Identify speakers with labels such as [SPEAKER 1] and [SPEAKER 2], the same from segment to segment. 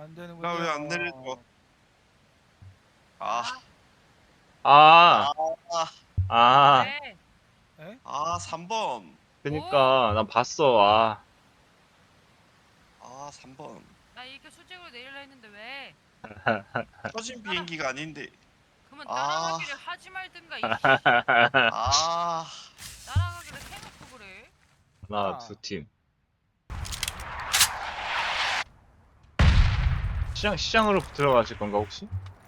[SPEAKER 1] 안 되는군요.
[SPEAKER 2] 나 왜 안 내려줘? 아,
[SPEAKER 3] 아,
[SPEAKER 2] 아,
[SPEAKER 3] 아,
[SPEAKER 4] 왜?
[SPEAKER 1] 에?
[SPEAKER 2] 3번.
[SPEAKER 3] 그니까, 난 봤어, 아.
[SPEAKER 2] 3번.
[SPEAKER 4] 나 이렇게 수직으로 내리려 했는데 왜?
[SPEAKER 2] 터진 비행기가 아닌데.
[SPEAKER 4] 그러면
[SPEAKER 2] 아.
[SPEAKER 4] 따라가기를 하지 말든가 이씨.
[SPEAKER 2] 아,
[SPEAKER 4] 따라가기를 해놓고 그래.
[SPEAKER 3] 하나, 두 팀. 시장으로 들어가실 건가, 혹시?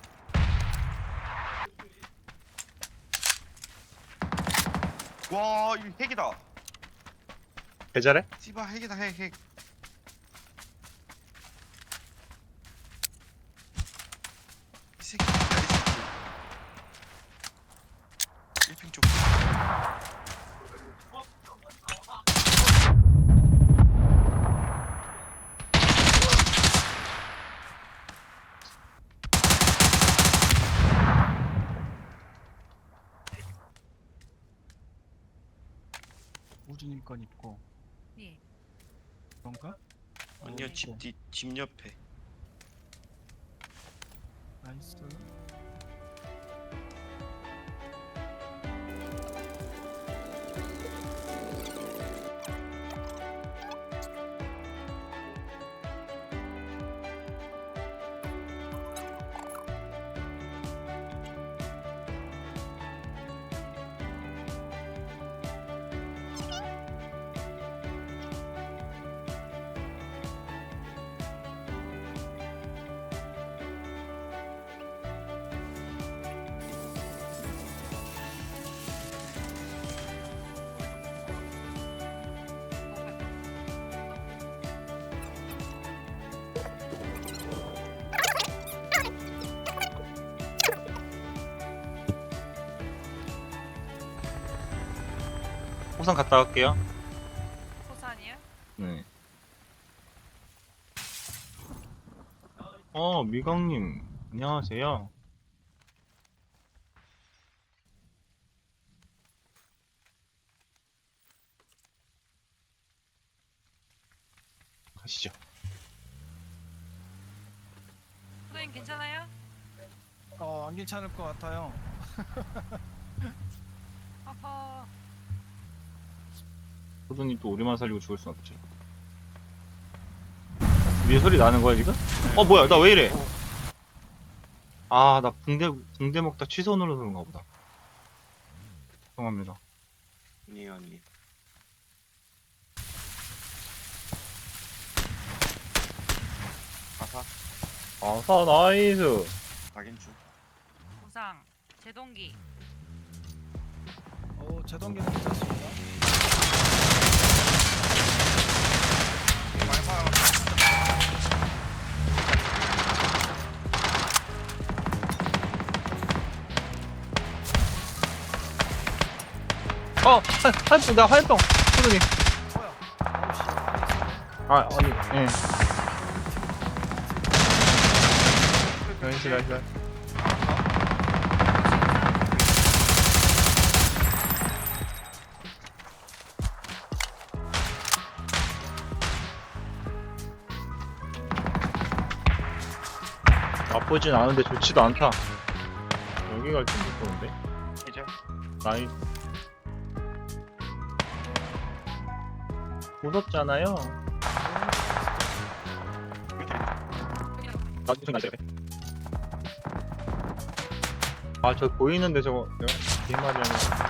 [SPEAKER 2] 와, 이거 핵이다.
[SPEAKER 3] 배달해?
[SPEAKER 2] 씨발 핵이다, 핵. 이 새끼, 이 새끼. 1핑 쪽.
[SPEAKER 1] 우주님 건 있고
[SPEAKER 4] 예.
[SPEAKER 1] 그런가?
[SPEAKER 2] 아니요,
[SPEAKER 1] 있고.
[SPEAKER 2] 집 옆에.
[SPEAKER 1] 나이스.
[SPEAKER 3] 호상 갔다 갈게요.
[SPEAKER 4] 호산이요?
[SPEAKER 3] 네. 미강님, 안녕하세요. 가시죠.
[SPEAKER 4] 선생님 괜찮아요?
[SPEAKER 1] 안 괜찮을 것 같아요.
[SPEAKER 4] 아파.
[SPEAKER 3] 소드님 또 우리만 살리고 죽을 순 없지. 위에 소리 나는 거야, 지금? 뭐야, 나 왜 이래? 나 붕대 먹다 취소 눌러서 그런가 보다. 죄송합니다.
[SPEAKER 2] 아니.
[SPEAKER 3] 아사, 나이스.
[SPEAKER 2] 확인 중.
[SPEAKER 4] 호상. 제동기.
[SPEAKER 1] 제동기는 괜찮습니다.
[SPEAKER 2] 많이 봐.
[SPEAKER 3] 나 화염병. 소드님.
[SPEAKER 1] 뭐야? 아우씨.
[SPEAKER 3] 아니, 예. 나이스. 나쁘진 않은데 좋지도 않다. 여기가 좀 무서운데?
[SPEAKER 2] 이제
[SPEAKER 3] 나이스. 무섭잖아요. 나도 생각해. 저 보이는데 저거 내가 개말이야.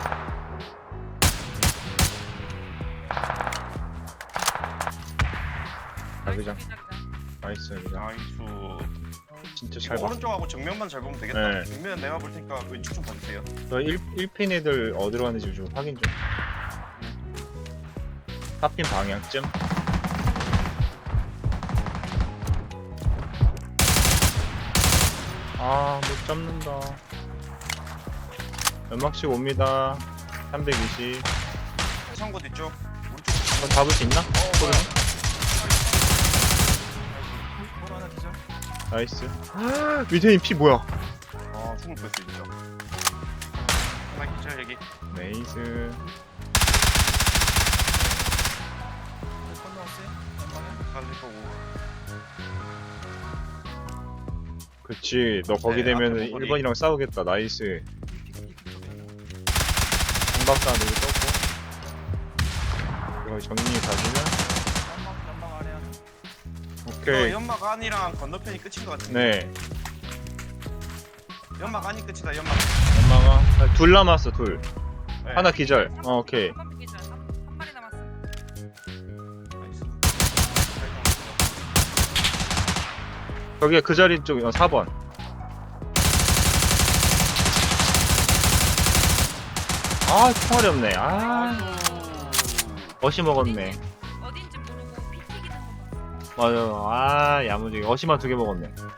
[SPEAKER 3] 자기장. 나이스 여기장.
[SPEAKER 2] 나이스.
[SPEAKER 3] 진짜
[SPEAKER 2] 이거
[SPEAKER 3] 잘 봐.
[SPEAKER 2] 오른쪽하고 정면만 잘 보면 되겠다.
[SPEAKER 3] 네.
[SPEAKER 2] 정면 내가 볼 테니까 왼쪽 좀 봐주세요.
[SPEAKER 3] 저 1핀 애들 어디로 가는지 좀 확인 좀. 4핀 방향쯤. 못 잡는다. 연막씩 옵니다. 320.
[SPEAKER 2] 해상고 뒤쪽. 오른쪽.
[SPEAKER 3] 이거 잡을 수 있나?
[SPEAKER 2] 뭐야.
[SPEAKER 1] 볼 하나 기절.
[SPEAKER 3] 나이스. 위대인 피 뭐야?
[SPEAKER 2] 죽을 뻔했어 진짜. 하나 기절 여기.
[SPEAKER 3] 네이스.
[SPEAKER 1] 건너왔어요? 연방에?
[SPEAKER 2] 살리고.
[SPEAKER 3] 그치, 너 거기
[SPEAKER 2] 네,
[SPEAKER 3] 되면
[SPEAKER 2] 앞에 머리.
[SPEAKER 3] 1번이랑 싸우겠다. 나이스.
[SPEAKER 1] 이픽 쪽에
[SPEAKER 3] 공박사 누구 떴고. 이거 정리 가지면
[SPEAKER 1] 연막 아래 하나.
[SPEAKER 3] 오케이.
[SPEAKER 2] 연막 안이랑 건너편이 끝인 것 같은데.
[SPEAKER 3] 네.
[SPEAKER 2] 연막 안이 끝이다. 연막.
[SPEAKER 3] 엄마가 아, 둘 남았어. 둘.
[SPEAKER 2] 네.
[SPEAKER 3] 하나 기절. 오케이.
[SPEAKER 4] 3번 기절. 한 마리 남았어.
[SPEAKER 2] 나이스.
[SPEAKER 3] 저기에 그 자리 쪽 4번. 아, 총알이 없네. 아, 어시 먹었네.
[SPEAKER 4] 어딘지 모르고 피 튀기는 거 봤어.
[SPEAKER 3] 맞아. 아, 야무지게 어시만 2개 먹었네.